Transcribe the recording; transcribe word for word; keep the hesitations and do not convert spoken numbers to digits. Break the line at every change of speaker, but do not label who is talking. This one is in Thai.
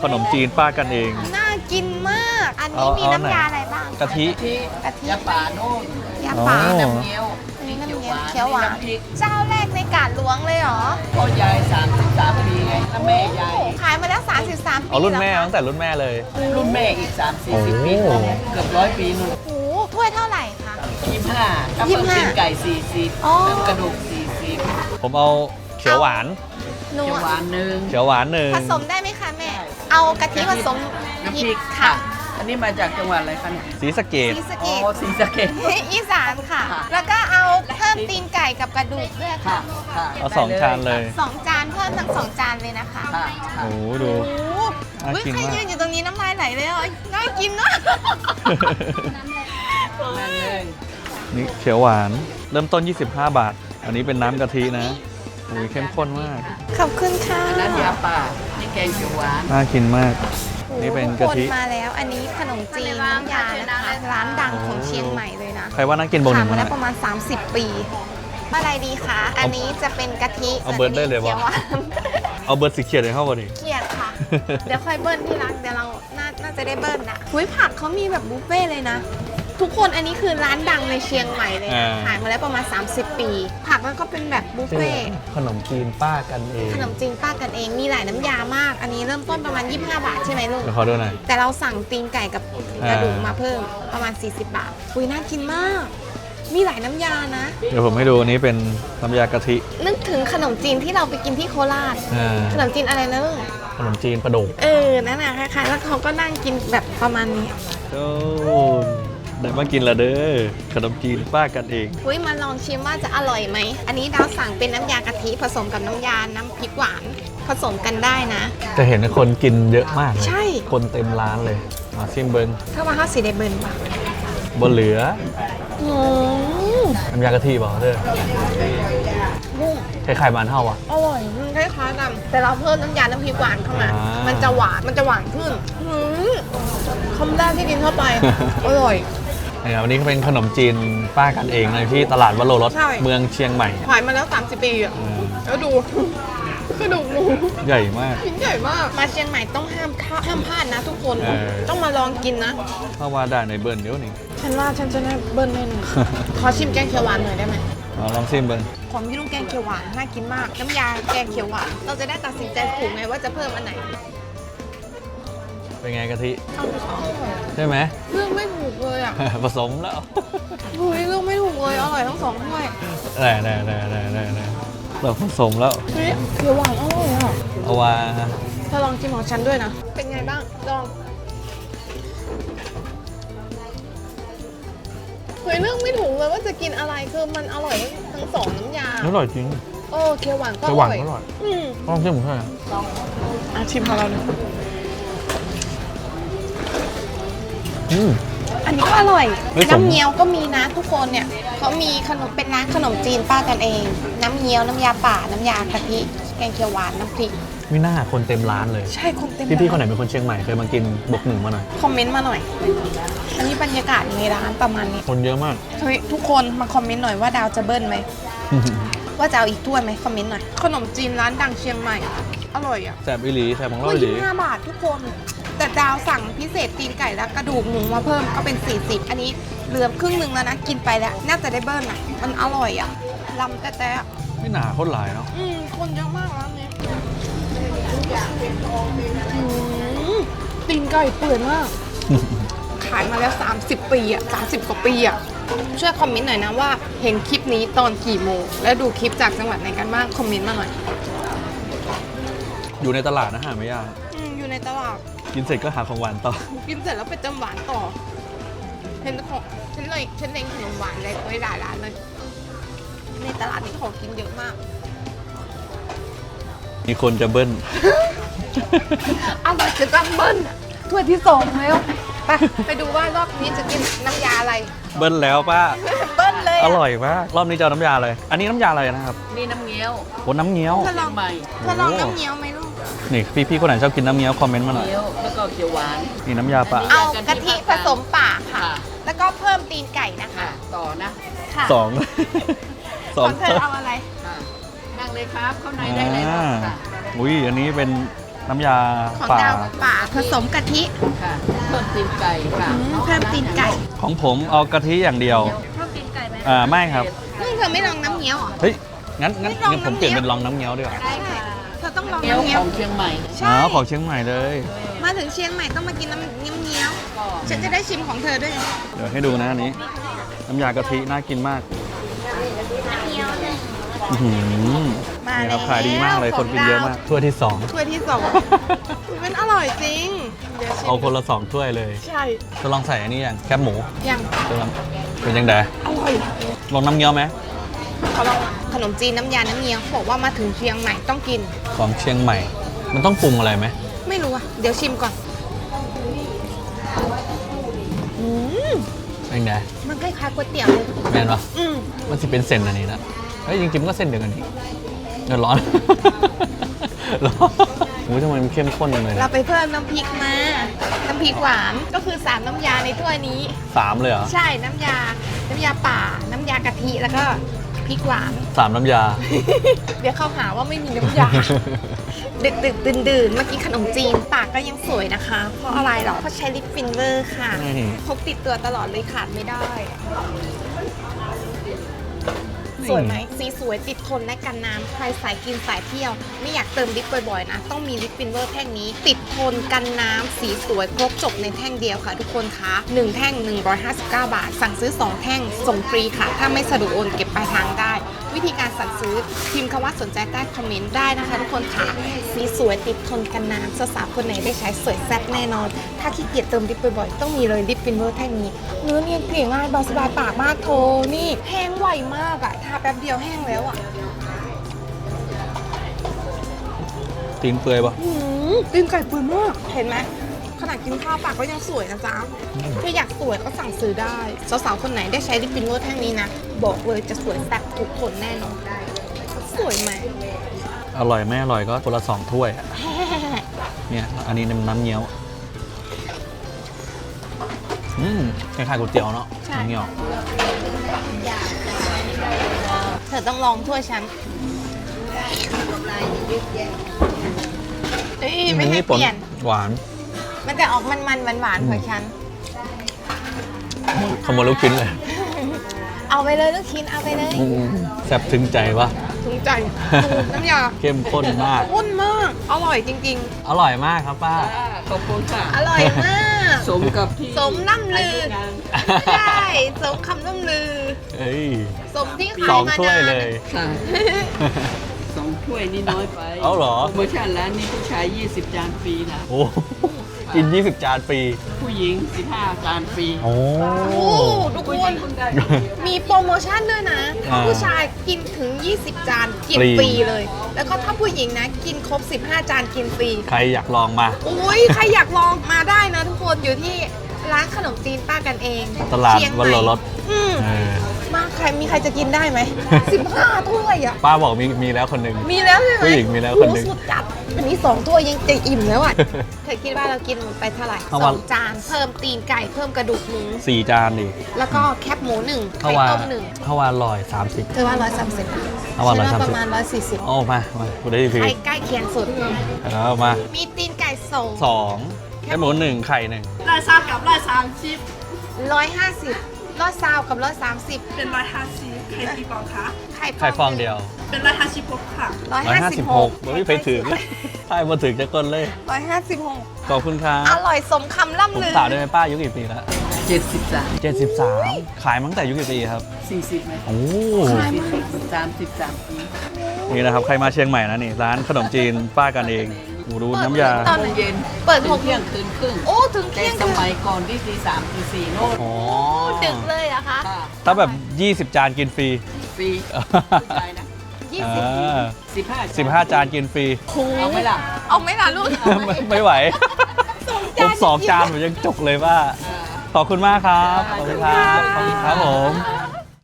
ขนมจีนป้ากันเอง
น่ากินมาก อันนี้มีน้ำยาอะไรบ้าง
กะทิ
กะทิ
ยาป่าโน่น
ยาป่า
อ๋อ
น้ำเงี้ยว
อันนี้น้ำเงี้ยวเขียวหวานเจ้าแรกในกาดหลวงเลยเหรอ
พ่อยายสามสิบสามปีไงแล้วแม่ยาย
ขายมาแล้วสามสิบสามปี
เอารุ่นแม่
ล้ว
ตั้งแต่รุ่นแม่เลย
รุ่นแม่อีกสามสี่สิบ
โอ้
ปีเกือบร้อยปีนู่น
โอ้โหถ้วยเท่าไหร่คะ
ยี่สิบห้าถ้า
ยี่
เพิ่
สิ
ม
บห้า
ตีนไก่สี่สิบ
อ๋อ
เพิ่มกระดูกสี่สิบ
ผมเอาเขียวหวาน
หนู
เขียวหวานหนึ่ง
เขียวหวานหนึ่ง
ผสมได้ไหมคะแม่ เอากะทิผสม
น้ำ
พ
พ
ริ
ริ
ก
ก
ค่ะ
ค่ะ อันนี้มาจากจังหวัดอะไรคะเนี่ย
สีสะเกด
สีสะ
อ๋
เก
อ
ด
ศรีสะเกษ
อีสานค่ะ
ค่ะ
แล้วก็เอาเพิ่มตีนไก่กับกระดูกด้วย
ค่ะ
ค่ะ
ค่ะ
เอาสองจานเลย
สองจานเพิ่มทั้งสองจานเลยนะคะ
ค่ะค่ะ
โอ้โหดู
โอ้โห
น่า
เฮ้ย
กิน
ใคร
มาก
ยืนอยู่ตรงนี้น้ำลายไหลเลยอ่ะน่ากินเนาะ
นั่นเลย
นี่เขียวหวาน เริ่มต้น ยี่สิบห้า บาท อันนี้เป็นน้ำกะทินะโอ้ยเข้มข้นมาก
ขอบคุณค่ะ
อันนั้นยาป่านี่แกงเขียวหวาน
น่ากินมาก นี่เป็นกะทิ
ทุคนมาแล้ว อันนี้ขนมจีนน้ำยานะคะ ร้านดังของเชียงใหม่เลยนะ
ใครว่าน่ากินโบกห
ขา
นึ่
ย
ง
มา
มาห
แล้
น่
ว
อย
ประมาณ สามสิบ ปี อะไรดีคะ อันนี้จะเป็นกะทิ
เอาเบิร์ดได้เลยวะ
ขีหวาน
เอาเบอร์สีเขียวเลยเข้ามาดิ
เกลียดค่ะ เดี๋ยวค่อยเบิ้ลที่ร้านเดี๋ยวเราน่าน่าจะได้เบิ้ลนะหุ้ยผักเขามีแบบบุฟเฟ่ต์เลยนะ ทุกคนอันนี้คือร้านดังในเชียงใหม่เลยนะ
อ่า
ขายมาแล้วประมาณ สามสิบ ปี ผักมันก็เป็นแบบบุฟเฟ่ต์
ขนมจีนป้ากันเอง
ขนมจีนป้ากันเอง มีหลายน้ำยามาก อันนี้เริ่มต้นประมาณ ยี่สิบห้า บาทใช่ไหมลูก
เดี๋ยวขอดูหน่อย
แต่เราสั่งตีนไก่กับกระดูก
อ่าม
มาเพิ่มประมาณ สี่สิบ บาท อุ้ยน่ากินมาก มีหลายน้ำยานะ
เดี๋ยวผมให้ดูอันนี้เป็นน้ำยากะทิ
นึกถึงขนมจีนที่เราไปกินที่โคราช
อ่า
ขนมจีนอะไรนะลูก
ขนมจีนปลาดุก
เออ นั่นน่ะคล้ายๆ แล้วเขาก็นั่งกินแบบประมาณนี้
โอ้ได้มากินละเด้อ ขนมจีนป้ากันเอง
อุ้ยมาลองชิมว่าจะอร่อยไหม อันนี้ดาวสั่งเป็นน้ำยากะทิผสมกับน้ำยา น้ำพริกหวาน ผสมกันได้นะ
จะเห็นคนกินเยอะมากเลย
ใช่
คนเต็มร้านเลย มาซิมเบิง
ถ้าว่าข้าวสีเดเบิร์นป่ะ
บนเหลือ
อืม
น้ำยากะทิบอกเด้อ
บุ้ง
คล้ายๆมันเท่าอ่ะ
อร่อยมันคล้ายๆกันแต่เราเพิ่มน้ำยา น้ำพริกหวานเข้ามา
อ่ามั
มันจะหวาน มันจะหวานขึ้นอืมคำแรกที่กินเข้าไป อร่อย
นี่ครับวันนี้ก็เป็นขนมจีนป้ากันเองในที่ตลาดวโรรส
ใช่
เมืองเชียงใหม่
ขายมาแล้ว สามสิบ ปีอ่ะ
อืม
แล้วดู กระดูกหมู
ใหญ่มาก
ชิ้นใหญ่มาก มาเชียงใหม่ต้องห้ามข้าห้ามพลาดนะทุกคน
เออ
ต้องมาลองกินนะ
เข้าว่าได้ในเบิร์นเดี๋ยวนี้
ฉันว่าฉันจะได้เบิ้ลแน่นอน ขอชิมแกงเขียวหวานหน่อยได้ไหม
เอาลองซิมเบิง
ของพี่ลุงแกงเขียวหวานน่ากินมาก น้ำยาแกงเขียวหวาน เราจะได้ตัดสินใจถูกไงว่าจะเพิ่มอันไหน
เป็นไงกะทิ
เอา
ใช่ไหม
เลือกไม่ถูกเลยอ่ะ
ผสมแล้ว
เฮ้ยเลือกไม่ถูกเลย อร่อยทั้งสองถ้วย
ได้ได้ได้ได้ได้ได้เราผสมแล้ว
เฮ้ยเขียวหวานอร่อยอ่ะ
เอาว่า
เธอลองชิมของฉันด้วยนะ เป็นไงบ้าง ลอง เฮ้ยเลือกไม่ถูกเลยว่าจะกินอะไร คือมันอร่อยทั้งสองน้ำยา
อร่อยจริง
โอ้เขียวหวานก็อ
เขียวหวาน
ร่อย
ก็อร่อย
อืม
ลองชิมผมใช่ไหม
อ่ะชิมของเราเลย
อืม
อันนี้ก็อร่อย
เฮ้ยสม
น้ำเงี้ยวก็มีนะทุกคนเนี่ยเขามีขนมเป็นร้านขนมจีนป้ากันเอง น้ำเงี้ยว น้ำยาป่า น้ำยากะทิ แกงเขียวหวาน น้ำพริก
ไม่น่าคนเต็มร้านเลย
ใช่คนเต็ม
พี่ๆคนไหนเป็นคนเชียงใหม่เคยมากินบวกหนึ่งมาหน่อย
คอมเมนต์มาหน่อย อันนี้บรรยากาศในร้านประมาณนี้
คนเยอะมาก
เฮ้ยทุกคนมาคอมเมนต์หน่อยว่าดาวจะเบิ้ลไหม ว่าจะเอาอีกถ้วยไหมคอมเมนต์หน่อย ขนมจีนร้านดังเชียงใหม่ อร่อยอ่ะ
แสบอีหลีแสบของเรา
ถ้วย
อีหลี
ยี่สิบห้าบาททุกคน แต่ดาวสั่งพิเศษตีนไก่และกระดูกหมูมาเพิ่มก็เป็น สี่สิบ อันนี้เหลือครึ่งหนึ่งแล้วนะ กินไปแล้ว น่าจะได้เบิ้ลอ่ะ มันอร่อยอ่ะลำแต่แต่
ไม่หนาโคตรหลายเนาะ
อืมคนเยอะมากร้านนี้อืมตีนไก่เปื่อยมาก ขายมาแล้ว สามสิบ ปีอ่ะ สามสิบ กว่าปีอ่ะ ช่วยคอมเมนต์หน่อยนะว่าเห็นคลิปนี้ตอนกี่โมง และดูคลิปจากจังหวัดไหนกันบ้าง คอมเมนต์มาหน่อย
อยู่ในตลาดนะหาไม่ยาก
อืมอยู่ในตลาด
กินเสร็จก็หาของหวานต่อ
กินเสร็จแล้วไปเติมหวานต่อ เห็นของฉันเลยฉันเล็งขนมหวานเลยไว้หลายร้านเลย ในตลาดนี้ของกินเยอะมาก
มีคนจะเบิ้ล
อร่อยจะต้องเบิ้ลอะถ้วยที่สองแล้วไปไปดูว่ารอบนี้จะกินน้ำยาอะไร
เบิ้ลแล้วป้า
เบิ้ลเลย
อ
อะ
ร่อยมากรอบนี้จะเอาน้ำยาอะไร อันนี้น้ำยาอะไรนะครับ
นี่น้ำเงี้ยว
โอ้น้ำเงี้ยว
เธอลอง
ใหม่
เธอลองน้ำเงี้ยวไหมลูก
นี่พี่ๆคนไหนชอบกินน้ำเงี้ยวคอมเมนต์มาหน่อย
เงี้ยวแล้วก็เขียวหวาน
นี่น้ำยาป่า
อันนี้
เอากะทิผสมป่าค่ะ
ค่ะ
แล้วก็เพิ่มตีนไก่นะคะ
ค่ะ ต่อนะ
ค่ะ
สอง สอง
ของเธอเอาอะไร
ค่ะนั่งเลยครับเข้าในได้เลยครับ
อ่า
ค่ะ
อุ้ยอันนี้เป็นน้ำยา
ของ
ป่า
ดาวป่าผสมกะทิ
ค่ะเพิ่มตีนไก่ค่ะ
อืมเพิ่มตีนไก่
ของผมเอากะทิอย่างเดียว
เพิ่มตีนไก่ไหม
อ่าไม่ครับ
มึงเธอไม่ลองน้ำเงี้ยวเหรอ
เฮ้ย งั้นงั้น
ไม่ลอง
งั้นผม
น้ำ
เปลี่ยน
เงี้ยว
เป็นลองน้ำเงี้ยวดีกว่า
ได้ค่ะเธอต้องลอง
เกี๊ยว
น้ำเงี้
ข
ยว
องเชียงใหม่
ใช่
อ๋อของเชียงใหม่เลย
มาถึงเชียงใหม่ต้องมากินน้ำเงี้ยวเงี้ยว
ก็
ฉันจะได้ชิมของเธอด้วย
เดี๋ยวให้ดูนะอันนี้ น้ำยากะทิน่ากินมากอื้อหือ
มา
นี่
แล้
คว รับขายดีมากเลยคนกินเยอะมาก ถ้วยที่สอง
ถ้วยที่สองมันอร่อยจริงเดี๋ยวชิม
เอาคนละสองถ้วยเลย
ใช่
จะลองใส่อันนี้อย่างแคบหมู
ยัง
จะลองเป็นยังไง
อร่อย
ลองน้ำเงี้ยวไหม
เขาลองขนมจีนน้ำยาน้ำเงี้ยวเขาบอกว่ามาถึงเชียงใหม่ต้องกิน
ของเชียงใหม่ มันต้องปรุงอะไรไหม
ไม่รู้อะเดี๋ยวชิมก่อนอืม
เป็นไง
มันคล้ายๆก๋วยเตี๋ยวเลย
แม่นปะ
อืม
มันจะเป็นเส้นอันนี้นะเฮ้ยจริงๆมันก็เส้นเดียวกันนี่เดี๋ยวร้อน ร้อนโอ้ยทำไมมันเข้มข้นจังเลย
เรา
นะ
ไปเพิ่มน้ำพริกมา น้ำพริกหวานก็คือสามน้ำยาในถ้วยนี้
สามเลยเหรอ
ใช่น้ำยา น้ำยาป่า น้ำยากะทิแล้วก็พริกหวาน
สามน้ำยา
เดี๋ยวเขาหาว่าไม่มีน้ำยา ดึกดึกดื่นดื่นๆเมื่อกี้ขนมจีนปากก็ยังสวยนะคะ เพราะอะไรหรอ เพราะใช้ลิปฟินเวอร์ค่ะ
นี่
พกติดตัวตลอดเลยขาดไม่ได้ สวยไหมสีสวยติดทนและกันน้ำใครสายกินสายเที่ยว ไม่อยากเติมลิปบ่อยๆนะ ต้องมีลิปฟินเวอร์แท่งนี้ ติดทนกันน้ำสีสวยครบจบในแท่งเดียวค่ะทุกคนคะหนึ่งแท่งหนึ่งร้อยห้าสิบเก้าบาท สั่งซื้อสองแท่งส่งฟรีค่ะ ถ้าไม่สะดวกโอนเก็บปลายทางได้ วิธีการสั่งซื้อพิมพ์คำว่าสนใจใต้คอมเมนต์ได้นะคะทุกคนค่ะสีสวยติดทนกันน้ำสาวๆคนไหนได้ใช้สวยแซ่บแน่นอน ถ้าขี้เกียจเติมลิปบ่อยๆต้องมีเลยลิปฟินเวอร์แท่งนี้เนื้อเนียนเกลี่ยง่ายเบาสบายปากมากโทนี่แห้งไวมากอะทาแป๊บเดียวแห้งแล้วอะ
ตีนเปื่อยปะ
หืมตีนไก่เปื่อยมากเห็นไหมขนาดกินข้าวปากก็ยังสวยนะจ๊ะถ้าอยากสวยก็สั่งซื้อได้สาวๆคนไหนได้ใช้ลิปฟินเวอร์แท่งนี้นะบอกเลยจะสวยแซ่บทุกคนแน่นอนได้สวยไหม
อร่อยไม่อร่อยก็คนละสองถ้วยอะเนี่ยอันนี้น้ำเงี้ยว อืมคล้ายๆก๋วยเตี๋ยวเนาะ
ใช่
น้ำเงี้ยว
เธอต้องลองถ้วยฉันเอ้ยไม่ให้
นี่
เปลี่ยน
หวาน
มันจะออกมันๆหวานๆของฉัน
ขโมยลูกชิ้นเลย
เอาไปเลยลูกชิ้นเอาไปเลย
อืมแซ่บถึงใจปะ
ถึงใจถูกน้ำยา
เข้มข้นมาก
ข้นมาก อร่อยจริง
อร่อยมากครับป้า
ค่ะขอบคุณค่ะ
ๆ อร่อยมาก
สมกับที่
สมล่ำลือ
งาน
ใช่สมคำล่ำลือ
เอ้ย
สมที่
ส
ขา
อย ง
มา
ถ้วย
นาน
เลย
ค่ะสองถ้วยนี่น้อยไป
เอาเหรอ
โปรโมชั่นร้านนี้ผู้ชายยี่สิบจานฟรีนะ
โอ้กิน ยี่สิบ จานฟรี
ผู้หญิงสิบห้าจานฟรี
โอ้
โอ้ทุก
ผู้
ค
หญิ
น
งคุณได้
มีโปรโมชั่นด้วยนะ
อ่า
ผู้ชายกินถึง ยี่สิบ จานกิน
ฟรี
ฟรีเลย แล้วก็ถ้าผู้หญิงนะ กินครบ สิบห้า จานกินฟรี
ใครอยากลองมา
อุ้ยใครอยากลองมาได้นะทุกคนอยู่ที่ร้านขนมจีนป้ากันเอง
ตลาด
เชียงให
วั
ม่
นโลรส
อืม
เออ
มาใครมีใครจะกินได้ไหม สิบห้า ถ้วยอ่ะ
ป้าบอกมีมีแล้วคนหนึ่ง
มีแล้วใช่ไหม
ผู้หญิงมีแล้วคนหนึ่ง
โอ้สุดจัดอันนี้สองถ้วยยังจะอิ่มแล้วอ่ะ เธอคิดว่าเรากินหมดไปเท่าไหร่
เอา
ส
วั
อน งจานเพิ่มตีนไก่เพิ่มกระดูกหมู
สี่จานดิ
แล้วก็แคบหมูหนึ่ง
ถ้า
ไข่
ว่า
ต้มหนึ่ง
ถ้าว่าลอยสามสิบ
เธอว่าร้อยสามสิบ
เอาว่าร้อยสามสิบ
ประมาณร้อยสี่สิบ
โอ้มามากูได้ที
ใกล้ใกล้เคียงสุด
แล้วมา
มีตีนไก่สอง
สองแค่หมูหนึ่งไข่หนึ่ง
ร้อยสามกับร้อยสามสิบ
ร้อยห้าสิบร้อยซาวกับร้อยสามสิบ
เป็นร้อยห้าสิบใครกี่ฟองคะ
ไข่
ไข่ฟองเดียว
เป็นร้อยห้าสิบหกค่ะ
ร้อย
ร้อย
ห้า
ห้า
สิ
สิ
บบ ห
ห
ก
กไม่ไปถึงใช่มาถึงจะก้นเลย
ร้อยห้าสิบหก
ขอบคุณครับ
อร่อยสมคำล่ำ
ผม
ลือ
ถามได้ไหมป้าอายุกี่ปีแล้ว
เจ็ดสิบสาม
เจ็ดสิบสามขายมาตั้งแต่อายุกี่ปีครับ
สี่สิบไหม
โอ้
สี่สิบสามสิบสามปี
นี่นะครับ ใครมาเชียงใหม่นะนี่ ร้านขนมจีนป้ากันเองหมูดูน้ำยา
ตอน
โม
ไหน
งเย็น
เปิดหก
เที่ยงคืนครึ่ง
โอ้ถึง
แต่
เที่ยง
ส
คืน
มัยก่อนที่ตีสามตีสี่โน่น
อ๋อ
ดึกเลยเหรอะคะ
ค่ะ
ถ้าแบบ ยี่สิบ จานกินฟรี
ฟรีผู้ชายนะ
ยี่
อ่
สิบ
า
สิบห้า
สิบห้า จานกินฟรี
เอาไหมล่ะ
เอาไหม่ล่ะลูก
ไม่ไม่ไหว ผมสองจานผมยังจุกเลยว่า ขอบคุณมากครับ ขอบคุณครับ ขอบคุณครับผม